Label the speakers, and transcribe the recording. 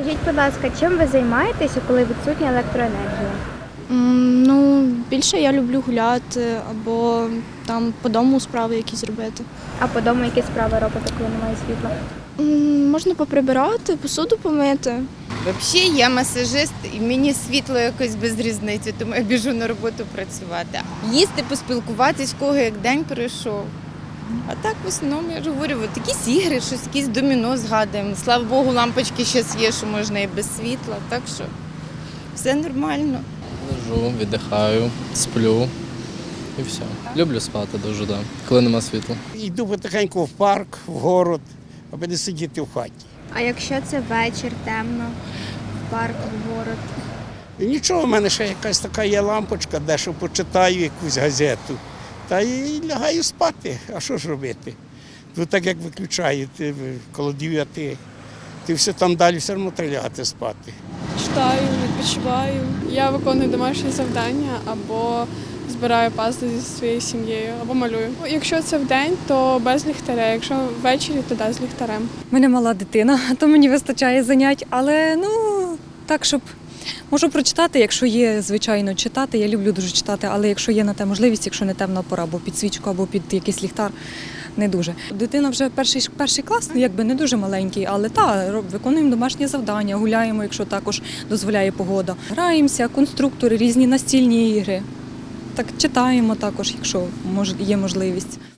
Speaker 1: Скажіть, будь ласка, чим ви займаєтеся, коли відсутня електроенергія?
Speaker 2: Ну, більше я люблю гуляти або там по дому справи якісь робити.
Speaker 1: А по дому які справи робите, коли немає світла?
Speaker 2: Можна поприбирати, посуду помити.
Speaker 3: Взагалі, я масажист, і мені світло якось без різниці, тому я біжу на роботу працювати. Їсти, поспілкуватись, кого як день пройшов. А так, в основному, я ж говорю, от якісь ігри, щось, якісь доміно згадуємо. Слава Богу, лампочки зараз є, що можна і без світла, так що все нормально.
Speaker 4: Лежу, віддихаю, сплю і все. Люблю спати дуже, так, коли нема світла.
Speaker 5: Йду потихеньку в парк, в город, аби не сидіти в хаті.
Speaker 1: А якщо це вечір, темно, в парк, в город?
Speaker 5: І нічого, в мене ще якась така є лампочка, дещо почитаю якусь газету. Та й лягаю спати. А що ж робити? Тут так як виключають коло 9, ти все там далі все одно треба лягати спати.
Speaker 6: Читаю, відпочиваю. Я виконую домашні завдання або збираю пазли зі своєю сім'єю, або малюю. Якщо це вдень, то без ліхтаря. Якщо ввечері, то з ліхтарем.
Speaker 7: У мене мала дитина, то мені вистачає занять, але так, щоб можу прочитати, якщо є, звичайно, читати. Я люблю дуже читати, але якщо є на те можливість, якщо не темна пора, або під свічку, або під якийсь ліхтар, не дуже. Дитина вже перший клас, якби не дуже маленький, але виконуємо домашні завдання, гуляємо, якщо також дозволяє погода. Граємося, конструктори, різні настільні ігри. Так читаємо також, якщо є можливість.